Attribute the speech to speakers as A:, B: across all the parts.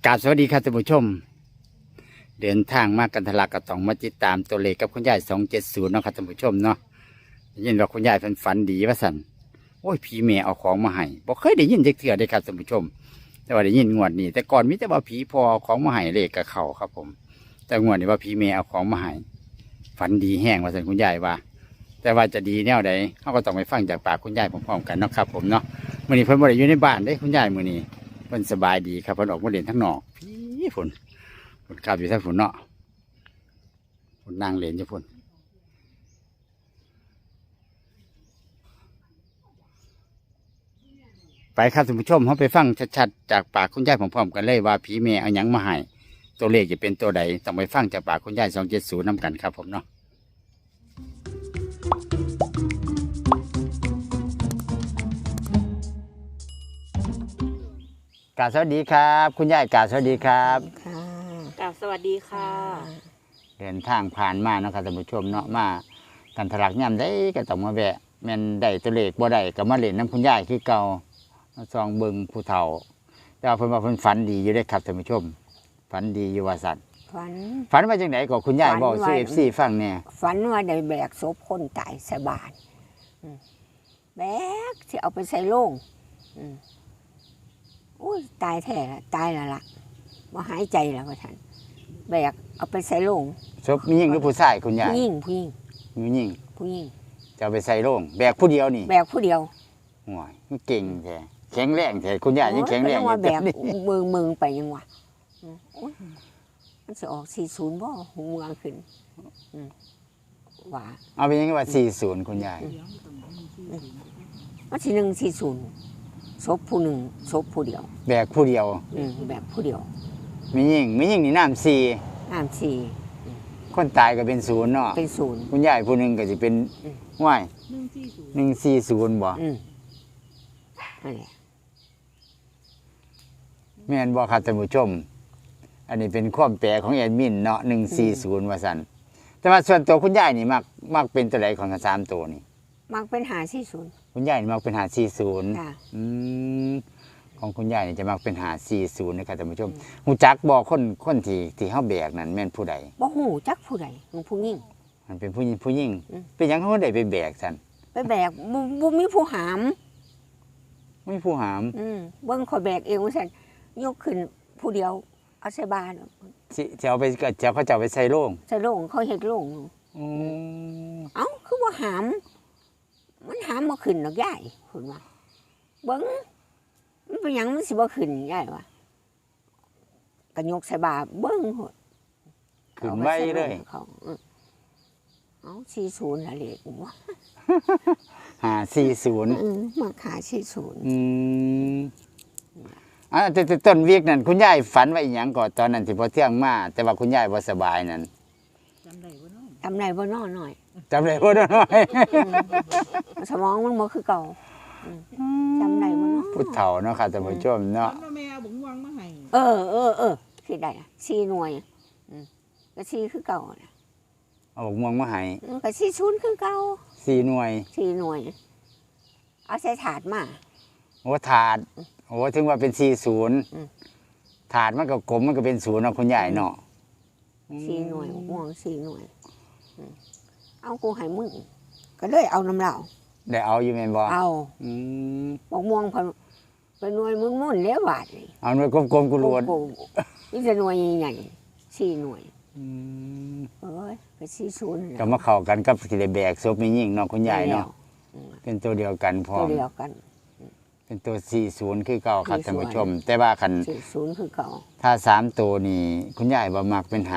A: กราบสวัสดีครับท่านผู้ชมเดินทางมากันทะลักกระตองมาติดตามตัวเลขกับคุณยาย270เนาะครับท่านผู้ชมเนาะยินว่าคุณยายฝันดีว่าสันโอ้ยผีแม่เอาของมาให้บอกเคยได้ยินจักเทื่อได้ครับท่านผู้ชมแต่ว่าได้ยินงวดนี้แต่ก่อนมิแต่ว่าผีพอเอาของมาให้เลขกับเขาครับผมแต่งวดนี้ว่าผีแม่เอาของมาให้ฝันดีแห้งว่าสันคุณยายว่าแต่ว่าจะดีแนวใดเขาก็ต้องไปฟังจากปากคุณยายพร้อมๆกันเนาะครับผมเนาะมื้อนี้เพิ่นบ่ได้อยู่ในบ้านเด้คุณยายมื้อนี้เพิ่นสบายดีครับเพิ่นออกมาเล่นทั้งนอกพี่ฝนขับอยู่ทั้งฝนเนาะฝนนั่งเล่นอยู่ฝนไปครับท่านผู้ชมเขาไปฟังชัดๆจากปากคุณยายพร้อมๆกันเลยว่าผีแม่เอาหยังมาให้ตัวเลขจะเป็นตัวใดต้องไปฟังจากปากคุณยาย270นำกันครับผมเนาะกราบสวัสดีครับคุณยายกราบสวัสดีครับ
B: ค่ะ
C: กราบสวัสดีค่ะ
A: เดินทางผ่านมาเนาะครับท่านผู้ชมเนาะมากันทะลักย่ำได้ก็ต้องมาแวะแม่นได้ตัวเลขบ่ได้ก็มาเล่นน้ำคุณยายคือเก่ามาซองเบิ่งผู้เฒ่าแต่ว่าเพิ่นว่าเพิ่นฝันดีอยู่ได้ครับท่านผู้ชมฝันดีอยู่ว่าซั่นฝันว่าจังไดก็คุณยายบอกสู่ FC ฟังแน่
B: ฝันว่าได้แบกศพคนตายใส่บาตรแบกสิเอาไปใส่โลงอุ้ยตายแท้ละตายแล้วล่ะบ่หายใจแล้วว่าท่านแบกเอาไปใส่โลง
A: ศพมีหญิงหรือผู้ชายคุณยาย
B: ผู้หญิง
A: มีหญิง
B: ผู้หญิง
A: จะเอาไปใส่โลงแบกผู้เดียวนี่
B: แบกผู้เดียว
A: โอ้ยเก่งแท้แข็งแรงแท้คุณยายยังแข็งแรงอยู่
B: ว่าแบกมือไปยังวะมันสิออก40บ่หูเมืองขึ้นว่า
A: เอาไปยังไงว่า40คุณยาย
B: มันสิ140ศพผู้หนึ่งศพผู้เดียว
A: แบกผู้เดียว
B: แบกผู้เดียว
A: มีหญิงนี่น้ำ4คนตายก็เป็น0เนาะ
B: เป็น0
A: คุณยายผู้หนึ่งก็จะเป็นว่าย140บ่
B: นั่นแหละ
A: แม่นบ่ครับท่านผู้ชมอันนี้เป็นความแปลของแอดมินเนาะ140ว่าซั่นแต่ว่าส่วนตัวคุณยายนี่มักเป็นตัวใดของ3ตัวนี่
B: มักเป็น540
A: คุณยายนี่มักเป็น540
B: ค่ะ
A: ของคุณยายนี่จะมักเป็น540นะครับท่านผู้ชมฮู้จักบ่คนที่เฮาแบกนั่นแม่นผู้ใด
B: บ่ฮู้จักผู้ใดผู้หญิง
A: มันเป็นผู้หญิงเป็นหยังเขาได้ไปแบกซั่น
B: ไปแบกบ่มีผู้หาม
A: มีผู้หาม
B: เบิ่งข่อยแบกเองว่าซั่นยกขึ้นผู้เดียวเอาใส่บาตร
A: สิเอาไปจะเขาจะเอาไปใส่โลง
B: เขาเฮ็ดโลงเอ้าคือบ่หามมันหามบ่ขึ้นดอกยายเพิ่นว่าเบิ่งมันเป็นหยังมันสิบ่ขึ้นยายว่าก็ยกใส่บาตรเบิ่งโหด
A: ขึ้นไว้เลย
B: เอา40ละเลขบ่
A: 540
B: มาขา40
A: แต่ต้นวีกนั่นคุณยายฝันว่าอีหยังก่อนตอนนั้นที่พอเที่ยงมาแต่ว่าคุณยายบ่สบายนั่น
B: จำได้บ่น้อยหน่อย
A: จำได้บ่น้อย
B: สมองมันบ่คือเก่าจำได้บ่เนาะ
A: ผู้เฒ่าเนาะค่ะท่านผู้ชมเนาะ
C: แม่เอาบุ๋งวังมาให้
B: สิได้4หน่วยก็4คือเก่าน่ะ
A: เอาบกม่วงมาให้
B: ก็40คือเก่า
A: 4หน่วย
B: เอาใส่ถาดมา
A: โอ้ถาดโอ้ถึงว่าเป็น40ถาดมันก็กลมมันก็เป็น0เนาะคุณยายเนาะ
B: 4หน่วยม่วง4หน่วยเอากูให้มึงก็เลยเอาน้ำเหล้า
A: ได้เอาอยู่แม่นบ่
B: เอาบอกม่วงเป็นหน่วยมุ่นๆแล้วบาดนี่
A: เอาหน่วยกลมๆกุหลาบ
B: นี่จะหน่วยใหญ่4หน่วยไป40
A: ก็มาเข้ากันกับสิได้แบกศพมีหญิงเนาะคุณยายเนาะเป็นตัวเดียวกันพร้อม
B: ตัวเดียวกัน
A: เป็นตัว40คือเก่าครับท่านผู้ชมแต่ว่าคัน
B: 40คือเก่า
A: ถ้า3ตัวนี่คุณยายบ่มักเป็น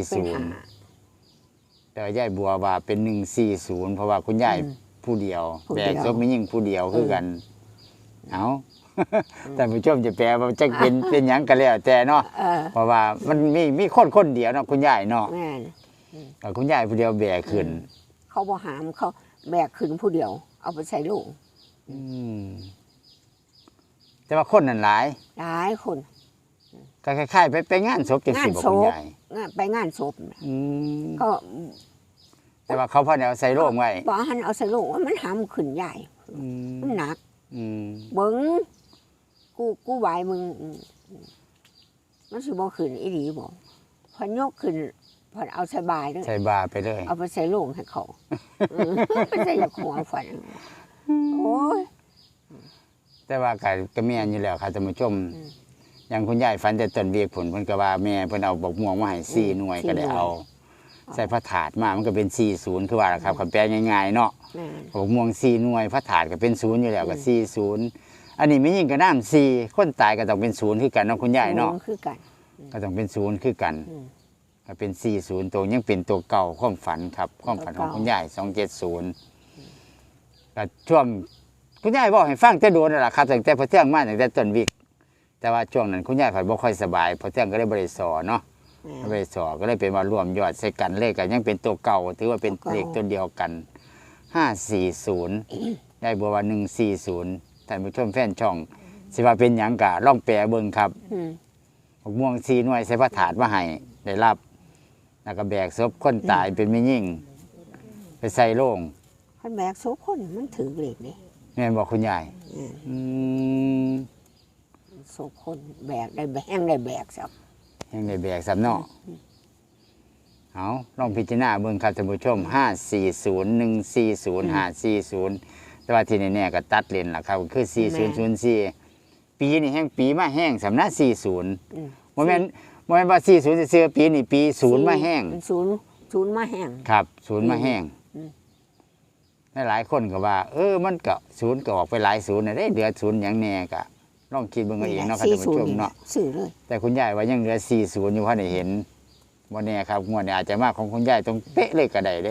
A: 540แต่ยายบัวว่าเป็น140เพราะว่าคุณยายผู้เดียวแบกศพมีหญิงผู้เดียวคือกันเอาท่านผู้ชมจะแปลว่าจะเป็นหยังก็แล้วแต่เนาะเพราะว่ามันมีคนเดียวเนาะคุณยายเนาะแต่คุณยายผู้เดียวแบกขึ้น
B: เขาบ่หามเขาแบกขึ้นผู้เดียวเอาไปใส่โลง
A: แต่ว่าคนนั้นหลาย
B: คน
A: ก็คล้ายๆไปงานศพจังซี่บ่คุณยาย
B: ไปงานศพก็
A: แต่ว่าเขาพอเอาใส่โลงไว้
B: บ่หันเอาใส่โลงว่ามันหามขึ้นใหญ่มันหนักเบิ่งกูไหวมึงมันสิบ่ขึ้นอีหลีบ่พอยกขึ้นพอเอาใส่บายเด้อ
A: ใส่บาไปเลย
B: เอาไปใส่โลงให้เขาไปใส่ยาหัวฝันโอ้ย
A: แต่ว่าก็แม่นอยู่แล้วครับท่านผู้ชม
B: อืม
A: อย่างคุณยายฝันแต่ต้นเวียกผลเพิ่นก็ว่าแม่เพิ่นเอาบักม่วงมาให้4หน่วยก็ได้เอา ใส่พระถาดมามันก็เป็น40คือว่าล่ะครับคำแปลง่ายๆเนาะ
B: แม่น
A: บักม่วง4หน่วยพระถาดก็เป็น0อยู่แล้วก็40อันนี้ไม่ยิ่งก็น้ำ4คนตายก็ต้องเป็น0คือกันเนาะคุณยายเนาะ
B: คือกัน
A: ก็ต้องเป็น0คือกัน
B: อืม
A: ก็เป็น40ตัวยังเป็นตัวเก่าความฝันครับความฝันของคุณยาย270ก็ช่วงคุณยายบอกให้ฟังแต่โดนนั่นล่ะครับตั้งแต่พอเที่ยงมาตั้งแต่ต้นวิกแต่ว่าช่วงนั้นคุณยายผัดบ่ค่อยสบายพอเที่ยงก็เลยบ่ได้สอนเนาะ
B: แม่น
A: บ่ได้สอนก็เลยเป็นว่ารวมยอดใส่กันเลขก็ยังเป็นตัวเก่าถือว่าเป็น
B: ตัวเก่า
A: เลขตัวเดียวกัน540ยายบัวว่า140ท่านผู้ชมแฟนช่องสิว่าเป็นหยังกะลองแปลเบิ่งครับ
B: อืม
A: บักม่วง4หน่วยใส่พระถาดมาให้ได้รับแล้วก็แบกศพคนตายเป็นแม่ยิ่งไปใส่โลง
B: คันแบกโซคนมันถือเหล็กเด้
A: แม่นบอกคุณยาย
B: อืม
A: อืม
B: โซคนแบกได้แบกได้แบกซับ
A: ยังได้แบกสำเนาะเอาลองพิจารณาเบิ่งครับท่านผู้ชม540140540แต่ว่าที่แน่ๆก็ตัดเลนล่ะครับคือ4004ปีนี้แห้งปีมาแห้งสำนัก40
B: อืม
A: บ่แม่นว่า40ซื่อๆปีนี้ปี0มาแห้ง
B: ศูนย์มาแห้ง
A: ครับ0มาแห้ง
B: อืม
A: หลายๆคนก็ว่า มันก็0ก็ออกไปหลาย0น่ะได้เหลือ0หยังแน่ก็ลองคิดเบิ่งเอาเองเนาะครับท่านผู้ชมเนาะ
B: ซื้อเลย
A: แต่คุณยายว่ายังเหลือ40อยู่พอได้เห็นวันนี้ครับงวดนี้อาจจะมาของคุณยายตรงเป๊ะเลยก็ได้เด้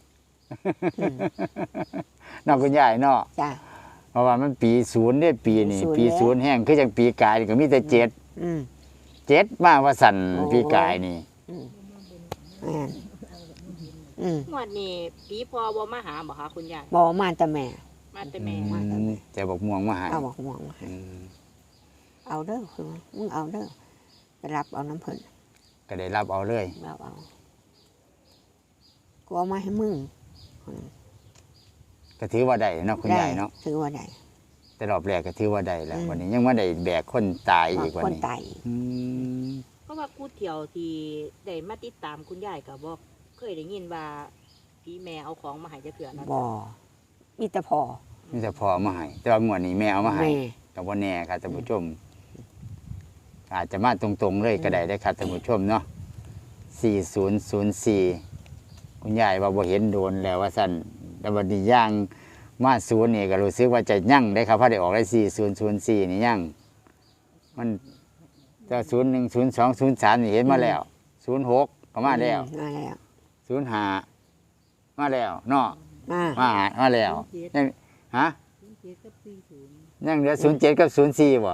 A: เนาะคุณยายเนาะ
B: จ้ะ
A: เพราะว่ามันปี0เนี่ยปีนี้
B: ปี
A: ปี
B: ศูนย์
A: 0แห้งคือจังปีกายนี่ก็มีแต่7
B: อืม
A: 7มาว่าสั่น
B: โอ้
A: ปีกายนี่
B: แม่นอืม
C: งวดนี้ผีพอบ่มาหาบ่คะคุณยาย
B: บอกมาแต่แม่
C: มาแต่แม่
A: แต่บอกม่วงมาใหา
B: เอาบอกม่วงมาให้ เอาเด้อคือว่ามึงเอาเด้อไปรับเอาน้ำเพิ่น
A: ก็ได้รับเอาเลย
B: รับเอากูเอามาให้มึง
A: ก็ถือว่าได้เนาะคุณยายเนาะ
B: ถือว่าได้
A: แต่รอบแรกก็ถือว่าได้แล้ว
B: อืม
A: วันนี้ยังมาได้แบกคนตายอีกวัน
B: คน
A: นี้
B: ตาย
A: อืม
C: เพราะว่ากูเที่ยวที่ได้มาติดตามคุณยายก็บ่เคยได้ยินว่าผีแม่เอาของมาให้จะเถื่อนะ
B: บ่มีแต่พอ
A: นี่จะพอมาให้แต่ว่างวดนี้แม่เอามาให้
B: แม่
A: กับว่าแน่ครับท่านผู้ชม อาจจะมาตรงๆเลยก็ได้ได้ครับท่านผู้ชมเนาะ4004คุณยายว่าบ่เห็นโดนแล้วว่าสั่นแต่วันนี้ย่างมา0นี่ก็รู้สึกว่าจะยั่งได้ครับเพราะได้ออกได้4004นี่ยั่งมันจะ010203นี่เห็นมาแล้ว06ก็มาแล้ว
B: มาแล้ว
A: 05มาแล้วเนาะ
B: มา
A: มาแล้วยังฮะยังเหลือ07กับ04บ่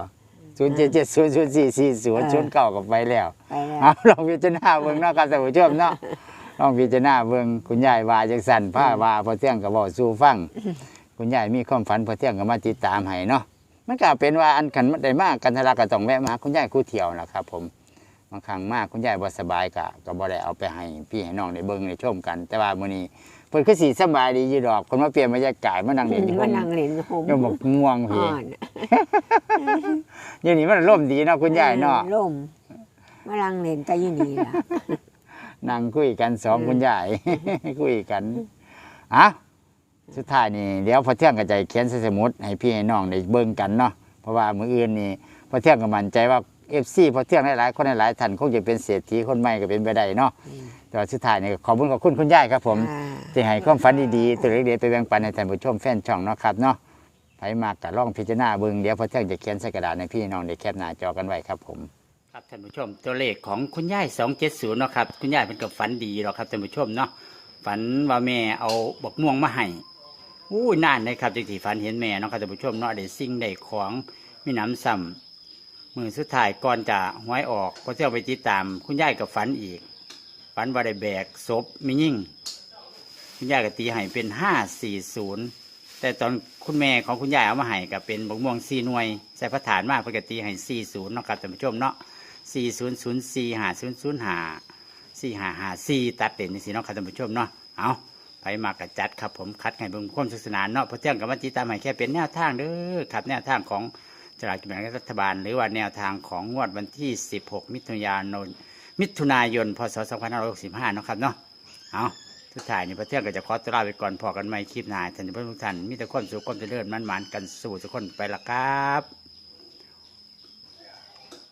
A: 0770044009ก็ไปแล้ว
B: ไปแล้ว
A: เอาลองพิจารณาเบิ่งเนาะครับท่านผู้ชมเนาะลองพิจารณาเบิ่งคุณยายว่าจังซั่นผ้าว่าพอเที่ยงก็เว้าสู่ฟัง คุณยายมีความฝันพอเที่ยงก็มาติดตามให้เนาะมันก็เป็นว่าอันขันได้มากกันทะลักก็ต้องแวะมาหาคุณยายคู่เที่ยวนะครับผมบางครั้งมากคุณยายบ่สบายก็บ่ได้เอาไปให้พี่ให้น้องได้เบิ่งได้ชมกัน แต่ว่ามื้อนี้เพิ่นคือสิสบายดีอยู่ดอกคนมาเปลี่ยนบรรยากาศมานั่งเล่นอยู่
B: มานั่งเล่นโฮม
A: ก็บอกง่วง
B: อ่
A: พี่
B: อน
A: เดี๋ยวนี้มันร่มดีเนาะคุณยายเนาะ
B: ล่มมานั่งเล่นแต่อยู่นี่ล่ะ
A: นั่งคุยกันสองคุณยาย คุยกันอ่ะสุดท้ายนี่เดี๋ยวพอเที่ยงก็จะเขียนใส่สมุดให้พี่ให้น้องได้เบิ่งกันเนาะเพราะว่ามื้ออื่นนี่พอเที่ยงก็มั่นใจว่า FC พอเที่ยงหลายๆคนหลายๆท่านคงจะเป็นเศรษฐีคนใหม่ก็เป็นไปได้เนาะแต่ว่าสุดท้ายนี่ก็ขอบคุณคุณยายครับผม
B: อ่า
A: ที่ให้ความฝันดีๆตัวเล็กๆไปแบ่งปันให้ท่านผู้ชมแฟนช่องเนาะครับเนาะไผมากก็ลองพิจารณาเบิ่งเดี๋ยวพอเที่ยงจะเขียนใส่กระดาษให้พี่น้องได้แคปหน้าจอกันไว้ครับผมครับท่านผู้ชมตัวเลขของคุณยาย270เนาะครับคุณยายเป็นกับฝันดีหรอกครับท่านผู้ชมเนาะฝันว่าแม่เอาบักม่วงมาให้อู้ยนานเลยครับจังที่ฝันเห็นแม่เนาะครับท่านผู้ชมเนาะได้สิ่งได้ของมีน้ำซ้ำมือสุดท้ายก่อนจะหวยออกพอเที่ยงไปติดตามคุณยายกับฝันอีกฝันว่าได้แบกศพมียิ่ง คุณยายก็ตีให้เป็น540แต่ตอนคุณแม่ของคุณยายเอามาให้ก็เป็นบักม่วง4หน่วยใส่พระฐานมากเพื่อกตีให้40เนาะครับท่านผู้ชมเนาะ400450054554ตัดเด่นนี่สิเนาะครับท่านผู้ชมเนาะเอาไปมากระจัดครับผมคัดให้เบิ่งความสนุกสนานเนาะเพราะเที่ยงกับวันจีตามให้แค่เป็นแนวทางเด้อครับแนวทางของสลากกินแบ่งรัฐบาลหรือว่าแนวทางของงวดวันที่ 16 มิถุนายน พศ 2565 นะครับเนาะเอาทุกท่ายนี่พระเที่ยงก็จะขอตัวลาไปก่อนพอกันใหม่คลิปหน้าท่านผู้ชมทุกท่านมีแต่ความสุขความเจริญมั่นๆกันสู่ทุกคนไปละครับ